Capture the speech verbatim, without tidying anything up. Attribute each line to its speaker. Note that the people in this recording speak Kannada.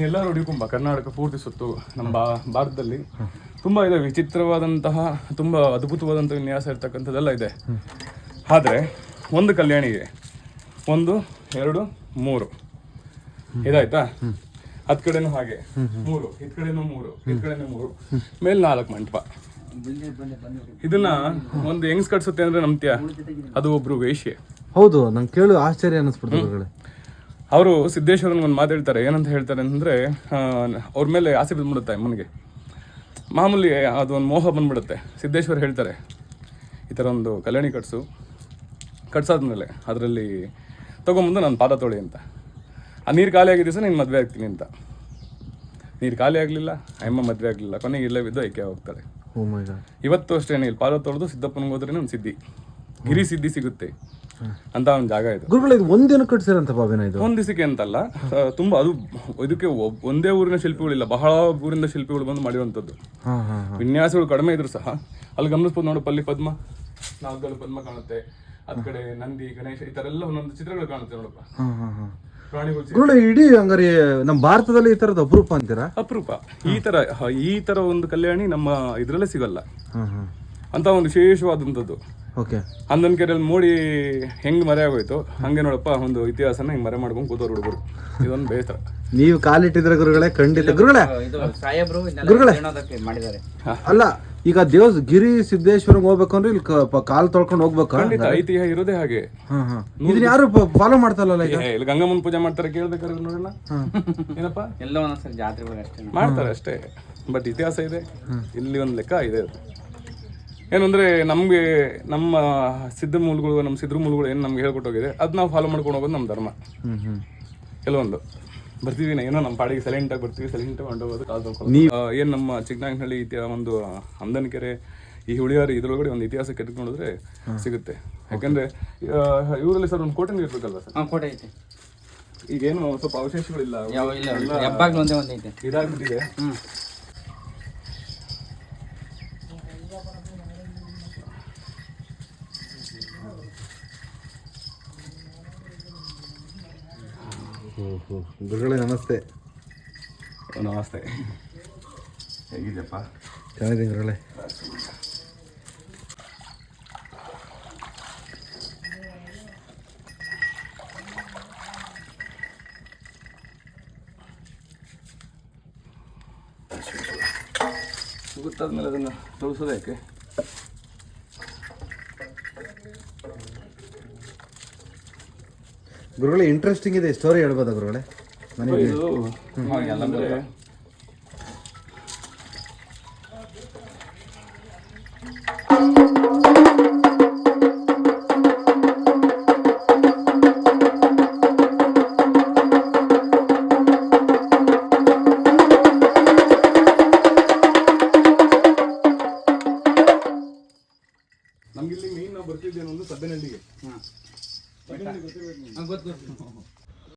Speaker 1: ಎಲ್ಲರೂ ಹುಡುಕೊಂಬ ಕರ್ನಾಟಕ ಪೂರ್ತಿ ಸುತ್ತು ನಮ್ಮ ಬಾ ಭಾರತದಲ್ಲಿ ತುಂಬ ಇದೆ, ವಿಚಿತ್ರವಾದಂತಹ ತುಂಬ ಅದ್ಭುತವಾದಂಥ ವಿನ್ಯಾಸ ಇರ್ತಕ್ಕಂಥದ್ದೆಲ್ಲ ಇದೆ. ಆದರೆ ಒಂದು ಕಲ್ಯಾಣಿಗೆ ಒಂದು ಎರಡು ಮೂರು ಇದಾಯ್ತಾ, ಹತ್ ಕಡೆನೂ ಹಾಗೆ ಮೂರು, ಇದ್ ಕಡೆನೂ ಮೂರು, ಇದ್ ಕಡೆನೂ ಮೂರು, ಮೇಲೆ ನಾಲ್ಕು ಮಂಟಪ. ಇದನ್ನ ಒಂದು ಹೆಂಗ್ಸ್ ಕಟ್ಸುತ್ತೆ ಅಂದ್ರೆ ನಂಬ್ತೀಯ? ಅದು ಒಬ್ರು ವೇಶ್ಯೆ.
Speaker 2: ಹೌದು, ನಂಗೆ ಕೇಳು ಆಶ್ಚರ್ಯ ಅನ್ನಿಸ್ಬಿಡ್ತದೆ.
Speaker 1: ಅವರು ಸಿದ್ದೇಶ್ವರನ್ ಒಂದು ಮಾತು ಹೇಳ್ತಾರೆ, ಏನಂತ ಹೇಳ್ತಾರೆ ಅಂದರೆ, ಅವ್ರ ಮೇಲೆ ಆಸೆ ಬಂದ್ಬಿಡುತ್ತೆ ಅಮ್ಮನಿಗೆ, ಮಾಮೂಲಿ ಅದೊಂದು ಮೋಹ ಬಂದ್ಬಿಡುತ್ತೆ. ಸಿದ್ದೇಶ್ವರ್ ಹೇಳ್ತಾರೆ, ಈ ಥರ ಒಂದು ಕಲ್ಯಾಣಿ ಕಟ್ಸು, ಕಟ್ಸಾದ್ಮೇಲೆ ಅದರಲ್ಲಿ ತೊಗೊಂಬಂದು ನಾನು ಪಾದ ತೊಳಿ ಅಂತ. ಆ ನೀರು ಖಾಲಿ ಆಗಿದ್ದ ದಿವಸ ನೀನು ಮದುವೆ ಆಗ್ತೀನಿ ಅಂತ. ನೀರು ಖಾಲಿ ಆಗಲಿಲ್ಲ, ಅಮ್ಮ ಮದುವೆ ಆಗಲಿಲ್ಲ, ಕೊನೆಗೆ ಇಲ್ಲೇ ಬಿದ್ದು ಐಕ್ಯ ಹೋಗ್ತಾರೆ. ಇವತ್ತು ಅಷ್ಟೇ, ಇಲ್ಲಿ ಪಾದ ತೊಳೆದು ಸಿದ್ದಪ್ಪನಿಗೆ ಹೋದ್ರೆ ಒಂದು ಸಿದ್ಧಿ, ಗಿರಿ ಸಿದ್ಧಿ ಸಿಗುತ್ತೆ ಅಂತ ಒಂದು ಜಾಗ ಇದು.
Speaker 2: ಗುರುಗಳು ಇದು ಒಂದಿನ ಕಟ್ಸಿರಂತ ಬಾಬಿನ? ಇದು
Speaker 1: ಒಂದ್ ದಿವಸಕ್ಕೆ ಅಂತಲ್ಲ, ತುಂಬಾ ಅದು ಇದಕ್ಕೆ ಒಂದೇ ಊರಿನ ಶಿಲ್ಪಿಗಳಿಲ್ಲ, ಬಹಳ ಊರಿಂದ ಶಿಲ್ಪಿಗಳು ಬಂದು ಮಾಡಿರುವಂಥದ್ದು. ವಿನ್ಯಾಸಗಳು ಕಡಿಮೆ ಇದ್ರು ಸಹ ಅಲ್ಲಿ ಗಮನಿಸ್ಬೋದು. ನೋಡಪ್ಪ, ಅಲ್ಲಿ ಪದ್ಮ, ನಾಲ್ಕಲ್ಲಿ ಪದ್ಮ ಕಾಣುತ್ತೆ, ಅದ್ ಕಡೆ ನಂದಿ, ಗಣೇಶ, ಈ ತರ ಎಲ್ಲ ಒಂದೊಂದು ಚಿತ್ರಗಳು ಕಾಣುತ್ತೆ ನೋಡಪ್ಪ.
Speaker 2: ಗುರುಗಳು ಇಡೀ ಹಂಗಾರೆ ನಮ್ಮ ಭಾರತದಲ್ಲಿ ಈ ತರದ ಅಪರೂಪ ಅಂತೀರಾ?
Speaker 1: ಅಪರೂಪ. ಈ ತರ ಈ ತರ ಒಂದು ಕಲ್ಯಾಣಿ ನಮ್ಮ ಇದ್ರಲ್ಲೇ ಸಿಗಲ್ಲ ಅಂತ ಒಂದು ವಿಶೇಷವಾದಂಥದ್ದು. ಹನ್ನೊಂದು ಕೆರೆಯಲ್ಲಿ ಮೂಡಿ ಹೆಂಗ್ ಮರೆ ಆಗೋಯ್ತು ಹಂಗೆ ನೋಡಪ್ಪ ಒಂದು ಇತಿಹಾಸನ ಹಿಂಗ್ ಮರೆ ಮಾಡ್ಕೊಂಡು ಕೂತವ್ರು ಹುಡುಗರು. ಇದೊಂದು ಬೇಸರ.
Speaker 2: ನೀವು ಕಾಲಿಟ್ಟಿದ್ರೆ ಗುರುಗಳೇ, ಖಂಡಿತ ಗುರುಗಳೇ. ಗುರುಗಳೇ ಅಲ್ಲ, ಈಗ ದೇವ ಗಿರಿ ಸಿದ್ದೇಶ್ವರಂಗ್ ಹೋಗ್ಬೇಕಂದ್ರೆ ಇಲ್ಲಿ ಕಾಲ್ ತೊಳ್ಕೊಂಡು ಹೋಗ್ಬೇಕು.
Speaker 1: ಖಂಡಿತ ಐತಿಹ್ಯ ಇರೋದೇ ಹಾಗೆ.
Speaker 2: ಇದನ್ನ ಯಾರು ಫಾಲೋ ಮಾಡ್ತಾರಲ್ಲ? ಈಗ
Speaker 1: ಇಲ್ಲಿ ಗಂಗಮ್ಮನ ಪೂಜೆ ಮಾಡ್ತಾರೆ, ಕೇಳ್ಬೇಕಾದ್ರೆ ನೋಡೋಣ. ಏನಪ್ಪ,
Speaker 3: ಎಲ್ಲ ಒಂದೊಂದ್ಸರಿ ಜಾತ್ರೆಗಳು ಅಷ್ಟೇ
Speaker 1: ಮಾಡ್ತಾರೆ ಅಷ್ಟೇ, ಬಟ್ ಇತಿಹಾಸ ಇದೆ ಇಲ್ಲಿ, ಒಂದು ಲೆಕ್ಕ ಇದೆ. ಅದು ಏನಂದ್ರೆ ನಮ್ಗೆ ನಮ್ಮ ಸಿದ್ಧ ಮೂಲಗಳು, ನಮ್ಮ ಸಿದ್ರ ಮೂಲಗಳು ಏನು ನಮ್ಗೆ ಹೇಳ್ಕೊಟ್ಟೋಗಿದೆ, ಅದ್ ನಾವು ಫಾಲೋ ಮಾಡ್ಕೊಂಡು ಹೋಗೋದು ನಮ್ಮ ಧರ್ಮ. ಕೆಲವೊಂದು ಬರ್ತೀವಿ ಏನೋ ನಮ್ಮ ಪಾಡಿಗೆ ಸೈಲೆಂಟ್ ಆಗಿ ಬರ್ತೀವಿ, ಸೈಲೆಂಟ್ ಹೊಂಟೋಗೋದು ಕಾಲ್ ತೊಳ್ಕೊಂಡು. ಏನು ನಮ್ಮ ಚಿಕ್ಕನಾಯಕನಹಳ್ಳಿ ಇತಿಹಾಸ, ಒಂದು ಹಂದನಕೆರೆ, ಈ ಹುಳಿಯಾರಿ ಇದ್ರೊಳಗಡೆ ಒಂದು ಇತಿಹಾಸ ಕೆತ್ಕೊಂಡ್ರೆ ಸಿಗುತ್ತೆ. ಯಾಕಂದ್ರೆ ಇವರಲ್ಲಿ ಸರ್ ಒಂದು ಕೋಟೆ ಇರ್ಬೇಕಲ್ವ ಸರ್?
Speaker 3: ಕೋಟೆ ಐತೆ.
Speaker 1: ಈಗೇನು ಸ್ವಲ್ಪ ಅವಶೇಷಗಳಿಲ್ಲ, ಇದಾಗ್ಬಿಟ್ಟಿದೆ.
Speaker 2: ಗುರುಗಳೇ ನಮಸ್ತೆ.
Speaker 1: ನಮಸ್ತೆ, ಹೇಗಿದ್ಯಪ್ಪ?
Speaker 2: ಚೆನ್ನಾಗಿದ್ದೀನಿ ಗುರುಗಳೇ.
Speaker 1: ಗೊತ್ತಾದ್ಮೇಲೆ ಅದನ್ನು ತೊಳಸೋದು ಯಾಕೆ?
Speaker 2: ಗುರುಗಳೇ ಇಂಟ್ರೆಸ್ಟಿಂಗ್ ಇದೆ, ಸ್ಟೋರಿ ಹೇಳ್ಬೋದಾ ಗುರುಗಳೇ? ನನಗೆ
Speaker 1: ನಮ್ಗಿಲ್ಲಿ ಮೇನ್ ನಾವು ಬರ್ತಿದ್ದೇನೆ ಒಂದು ಸಬ್ಬೆನಹಳ್ಳಿಗೆ.
Speaker 3: ಗೊತ್ತು.